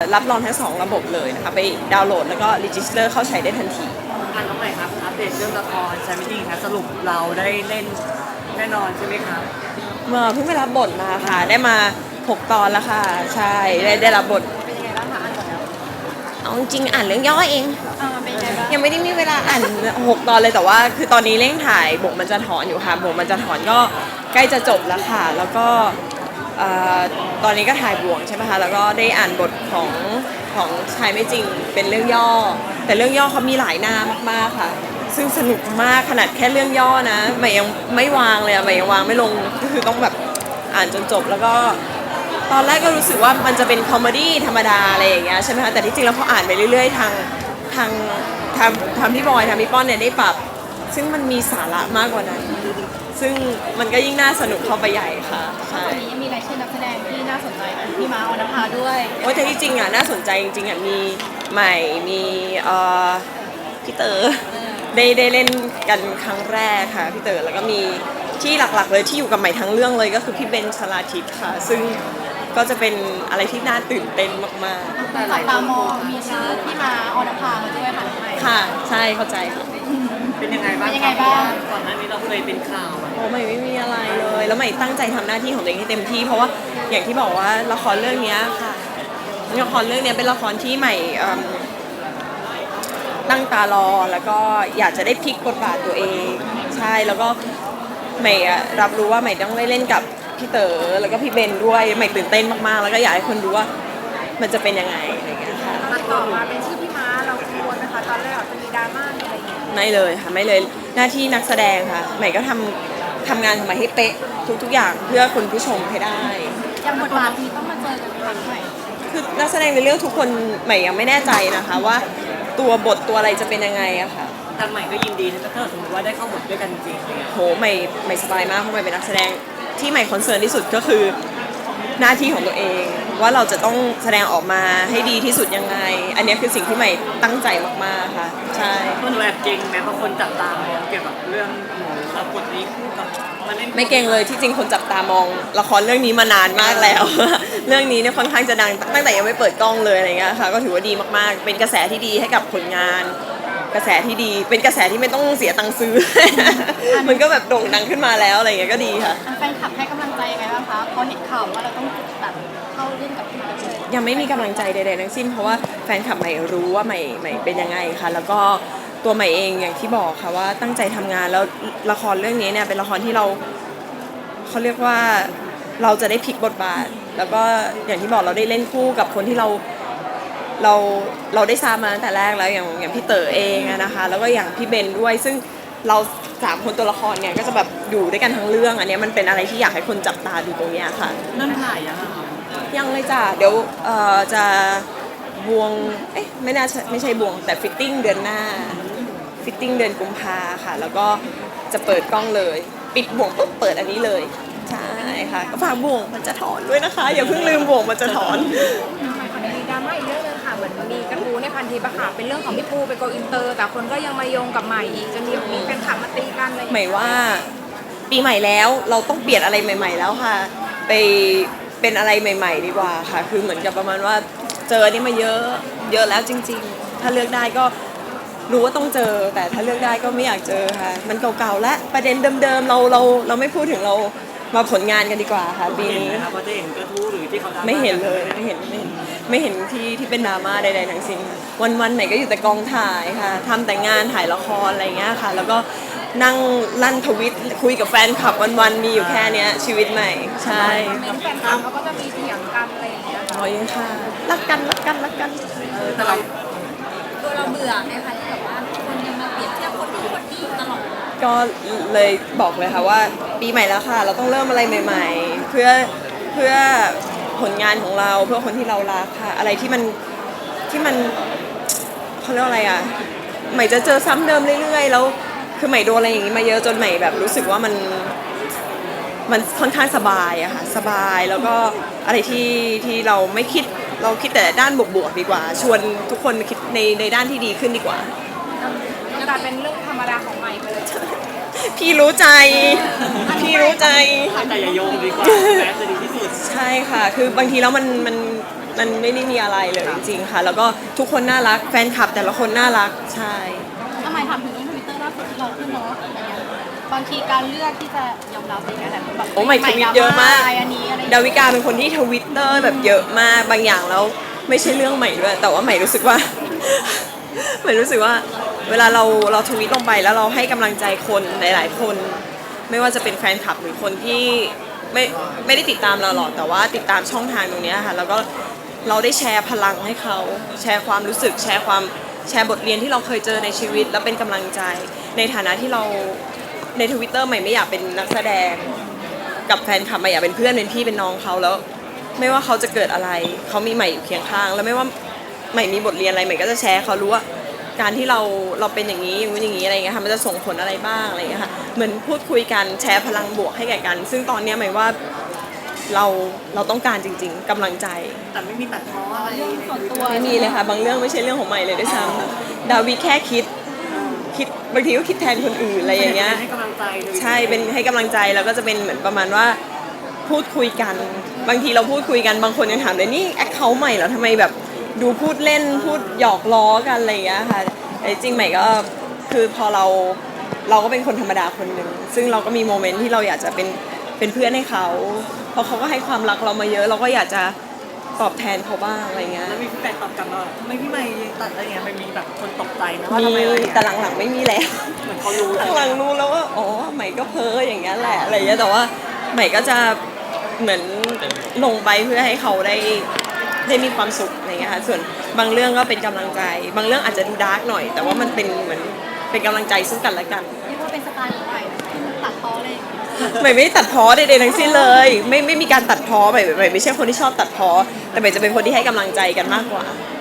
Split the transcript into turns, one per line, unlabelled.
รับรองทั้ง2ระบบเลยนะคะไปดาวน์โหลดแล้วก็รีจิสเตอร์เข้าใช้ได้ทันที
อันน้องใหม่ครับอัปเดตเรื่องละครแชมเปี้ยนครับสรุปเราได้เล่นแน่นอนใช่ไหมครับ
เพิ่งไปรับบทมาค่ะได้มา6 ตอนแล้วค่ะใช่ได้รับบท
เป็นยังไงบ้างคะอ่านจบแล้ว
เอาจริงอ่านเรื่องย่อเอง
เป็นยังไงบ้าง
ยังไม่ได้มีเวลาอ่าน6 ตอนเลยแต่ว่าคือตอนนี้เร่งถ่ายบทมันจะถอนอยู่ค่ะบทมันจะถอนก็ใกล้จะจบแล้วค่ะแล้วก็ตอนนี้ก็ถ่ายบ่วงใช่ไหมคะแล้วก็ได้อ่านบทของชายไม่จริงเป็นเรื่องย่อแต่เรื่องย่อเขามีหลายหน้ามากๆค่ะซึ่งสนุกมากขนาดแค่เรื่องย่อนะใหม่ยังไม่วางเลยอะใหม่ยังวางไม่ลงก็คือต้องแบบอ่านจนจบแล้วก็ตอนแรกก็รู้สึกว่ามันจะเป็นคอมเมดี้ธรรมดาอะไรอย่างเงี้ยใช่ไหมคะแต่ที่จริงแล้วพออ่านไปเรื่อยๆทางพี่บอยทางพี่ป้อนเนี่ยได้ปรับซึ่งมันมีสาระมากกว่านั้นซึ่งมันก็ยิ่งน่าสนุกเข้าไปใหญ่ค่ะใช่
ตอนนี้ยังมีรายชื่อนักแสดงที่น่าสนใจพี่ม้าออนภาด้วย
โอ้แต่ที่จริงอ่ะน่าสนใจจริงๆอ่ะมีใหม่มีพี่เต๋อได้เล่นกันครั้งแรกค่ะพี่เต๋อแล้วก็มีที่หลักๆเลยที่อยู่กับใหม่ทั้งเรื่องเลยก็คือพี่เบนชลาทิศค่ะซึ่งก็จะเป็นอะไรที่น่าตื่นเต้นมาก
ๆจับตามองมีชื่อพี่ม้าออนภาด้วยค่ะใหม่
ค่ะใช่เข้าใจค่ะ
เป็นยังไงบ้างก่อนหน้านี้เราเคยเป็นข่าว
โอ้ไม่มีอะไรเลยแล้วใหม่ตั้งใจทำหน้าที่ของตัวเองให้เต็มที่เพราะว่าอย่างที่บอกว่าละครเรื่องนี้ค่ะละครเรื่องนี้เป็นละครที่ใหม่ตั้งตารอแล้วก็อยากจะได้พลิกบทบาทตัวเองใช่แล้วก็ใหม่รับรู้ว่าใหม่ต้องได้เล่นกับพี่เต๋อแล้วก็พี่เบนด้วยใหม่ตื่นเต้นมากๆแล้วก็อยากให้คนรู้ว่ามันจะเป็นยังไงอะไรอย่างเงี้ยค่ะ
ตัดต่อมาเป็นชื่อพี่ม้าเรากังวลนะคะตอนแรกจะมีดราม่าอะไรอย่างเงี้ย
ไม่เลยค่ะไม่เลยหน้าที่นักแสดงค่ะใหม่ก็ทำงานของใหม่ให้เป๊ะทุกอย่างเพื่อคุณผู้ชมให้ได้
อย่างบทบาทนี้ต้องมาเจอกันครั้งใหม่
คือนักแสดงในเรื่องทุกคนใหม่ยังไม่แน่ใจนะคะว่าตัวบทตัวอะไรจะเป็นยังไงอะค่ะ
ทางใหม่ก็ยินดีถ้าสมมติว่าได้เข้าบทด้วยกันจริงเลย
โหใหม่สบายมากเพราะใหม่เป็นนักแสดงที่ใหม่คอนเซิร์นที่สุดก็คือหน้าที่ของตัวเองว่าเราจะต้องแสดงออกมาให้ดีที่สุดยังไงอันนี้คือสิ่งที่ใหม่ตั้งใจมากๆค่ะใช่
คนแบบเก่งแม้บางคนจับตามองเกี่ยวกับเรื่องหนูรับบทนี้คู่กับ
ไม่เก่งเลยที่จริงคนจับตามองละครเรื่องนี้มานานมากแล้ว เรื่องนี้เนี่ยค่อนข้างจะดังตั้งแต่ยังไม่เปิดกล้องเลยอะไรเงี้ยค่ะก็ถือว่าดีมากๆเป็นกระแสที่ดีให้กับผลงานกระแสที่ดีเป็นกระแสที่ไม่ต้องเสียตังค์ซื้อ มันก็แบบโด่งดังขึ้นมาแล้วอะไรเงี้ยก็ดีค่ะ
แฟนคลับให้กำลังใจยังไงบ้างคะพอเห็นข่าวว่าเราต้องแบบเข้าเล่นกับพี่ม้าเลย
ยังไม่มีกำลังใจใดๆทั้งสิ้นเพราะว่าแฟนคลับใหม่รู้ว่าใหม่เป็นยังไงค่ะแล้วก็ตัวใหม่เองอย่างที่บอกค่ะว่าตั้งใจทำงานแล้วละครเรื่องนี้เนี่ยเป็นละครที่เขาเรียกว่าเราจะได้พลิกบทบาทแล้วก็อย่างที่บอกเราได้เล่นคู่กับคนที่เราได้ทราบมาตั้งแต่แรกแล้วอย่างพี่เต๋อเองนะคะแล้วก็อย่างพี่เบนด้วยซึ่งเรา3 คนตัวละครเนี่ยก็จะแบบอยู่ด้วยกันทั้งเรื่องอันนี้มันเป็นอะไรที่อยากให้คนจับตาดูตรงนี้ค่ะ
เริ่มถ่าย
ยังเลยจ้ะเดี๋ยวจะบวงไม่ใช่บวงแต่ฟิตติ้งเดือนหน้าฟิตติ้งเดือนกุมภาค่ะแล้วก็จะเปิดกล้องเลยปิดบ่วงปุ๊บเปิดอันนี้เลยใช่ค่ะก็ฝากบ่วงมันจะถอนด้วยนะคะอย่าเพิ่งลืมบ่วงมันจะถอน
มีดราม่าอีกเรื่องนึงค่ะเหมือนมีกระทู้ในพันทิปอะค่ะเป็นเรื่องของพี่ปูไปโกอินเตอร์แต่คนก็ยังมาโยงกับใหม่อีกจนมีแฟนคลับมาตีกันอะไร
ใหม่ว่าปีใหม่แล้วเราต้องเปลี่ยนอะไรใหม่ๆแล้วค่ะไปเป็นอะไรใหม่ๆดีกว่าค่ะคือเหมือนกับประมาณว่าเจอนี่มาเยอะแล้วจริงๆถ้าเลือกได้ก็รู้ว่าต้องเจอแต่ถ้าเลือกได้ก็ไม่อยากเจอค่ะมันเก่าๆและประเด็นเดิมๆเราไม่พูดถึงเรามาผลงานกันดีกว่าค่ะปีนี้
เขาจะเห็นกระทู้หรือที่เขา
ไม่เห็นเลยไม่เห็นที่เป็นดราม่าใดๆทั้งสิ้นวันๆไหนก็อยู่แต่กองถ่ายค่ะทำแต่งานถ่ายละครอะไรเงี้ยค่ะแล้วก็นั่งลั่นทวิตคุยกับแฟนคลับวันๆมีอยู่แค่นี้ชีวิตใหม่ใช่
แฟนคลับเขาก็จะมีเถียงกันอะไรอย่างเงี้ย
อ๋อยังค่ะรักกัน
แต่เรา
ตัวเราเบื่อไหมคะที่แบบว่าคนยังมาเปรียบเทียบคนนู้นคนนี้ตลอด
ก็เลยบอกเลยค่ะว่าปีใหม่แล้วค่ะเราต้องเริ่มอะไรใหม่ๆเพื่อผลงานของเราเพื่อคนที่เรารักค่ะอะไรที่มันเขาเรียกอะไรอ่ะใหม่จะเจอซ้ำเดิมเรื่อยๆแล้วคือใหม่โดนอะไรอย่างนี้มาเยอะจนใหม่แบบรู้สึกว่ามันค่อนข้างสบายอะค่ะสบายแล้วก็อะไรที่เราไม่คิดเราคิดแต่ด้านบวกๆดีกว่าชวนทุกคนคิดในด้านที่ดีขึ้นดีกว่า
กลายเป็นเรื่องธรรมดาของใหม่ไปเลย
พี่รู้ใจแต่
อย่าโยงดีกว่าแม้จะดีที่สุด
ใช่ค่ะคือบางทีแล้วมันมันไม่ได้มีอะไรเลยจริงๆค่ะ แล้วก็ทุกคนน่ารักแฟนคลับแต่ละคนน่ารักใช่
ทำไมถามถึงเรื่องทวิตเตอร์ล่าสุดที่เราขึ้นเนาะอะไรเงี้ยบางทีการเลือกที่จะยอมรับอะไรเงี้ยแต่แบบ
โอ้ใหม่ทวิตเยอะมาก
อันนี้อะไร
ดาวิกาเป็นคนที่ทวิตเตอร์แบบเยอะมากบางอย่างแล้วไม่ใช่เรื่องใหม่ด้วยแต่ว่าใหม่รู้สึกว่า ใหม่รู้สึกว่าเวลาเราทวิตลงไปแล้วเราให้กำลังใจคนหลายๆคน ไม่ว่าจะเป็นแฟนคลับหรือคนที่ไม่ได้ติดตามเราหรอกแต่ว่าติดตามช่องทางตรงเนี้ยค่ะแล้วก็เราได้แชร์พลังให้เขาแชร์ความรู้สึกแชร์บทเรียนที่เราเคยเจอในชีวิตแล้วเป็นกำลังใจในฐานะที่เราใน Twitter ใหม่ไม่อยากเป็นนักแสดงกับแฟนคลับใหม่อยากเป็นเพื่อนเป็นพี่เป็นน้องเขาแล้ว ไม่ว่าเขาจะเกิดอะไรเขามีใหม่อยู่เคียงข้าง แล้วไม่ว่าใหม่มีบทเรียนอะไรใหม่ก็จะแชร์เขารู้ว่าการที่เราเป็นอย่างนี้อย่างนี้อะไรเงี้ยค่ะมันจะส่งผลอะไรบ้างอะไรเงี้ยค่ะเหมือนพูดคุยกันแชร์พลังบวกให้แก่กัน ซึ่งตอนเนี้ยหมายว่าเราต้องการจริงๆกำลังใจ
แต่ไม่มีตัดพ้ออะไร
ส่วนตัว
ไม่มีเลยค่ะบางเรื่องไม่ใช่เรื่องของใหม่เลยด้วยซ้ำดาวิแค่คิดบางทีก็คิดแทนคนอื่นอะไรอย่างเงี้ย
ให้กำลังใจเลย
ใช่เป็นให้กำลังใจแล้วก็จะเป็นเหมือนประมาณว่าพูดคุยกัน บางทีเราพูดคุยกันบางคนยังถามเลยนี่แอคเคาท์ใหม่เหรอทำไมแบบดูพูดเล่นพูดหยอกล้อกันอะไรอย่างเงี้ยค่ะแต่จริงใหม่ก็คือพอเราก็เป็นคนธรรมดาคนหนึ่งซึ่งเราก็มีโมเมนต์ที่เราอยากจะเป็นเพื่อนให้เขาเพราะเขาก็ให้ความรักเรามาเยอะ เราก็อยากจะตอบแทนเขาบ้างอะไรเงี้ย
แล้วมีพี่แฟนตอบกลับมาว่าทำไมพี่ใหม่ตัดอะไรเงี้ยมันมีแบบคนตกใจนะว่า
มี
ทำไมอะไรเงี้ย
แต่หลังๆไม่มีแล้ว
เหมือนเขารู้
หลังๆรู้แล้วว่าอ๋อใหม่ก็เพ้ออย่างเงี้ยแหละอะไรเงี้ยแต่ว่าใหม่ก็จะเหมือนลงไปเพื่อให้เขาได้มีความสุขอะไรเงี้ยค่ะส่วนบางเรื่องก็เป็นกำลังใจ บางเรื่องอาจจะดูดาร์กหน่อย แต่ว่ามันเป็นเหมือนเป็นกำลังใจซึ่งกันและกัน
เรียกว่าเป็นสไตล์ของใหม่ที่มันตัดพ้อเลย
ใหม่ไม่ได้ตัดพ้อใดๆทั้งสิ้นเลย ไม่มีการตัดพ้อใหม่ไม่ใช่คนที่ชอบตัดพ้อแต่ใหม่จะเป็นคนที่ให้กำลังใจกันมากกว่า
อ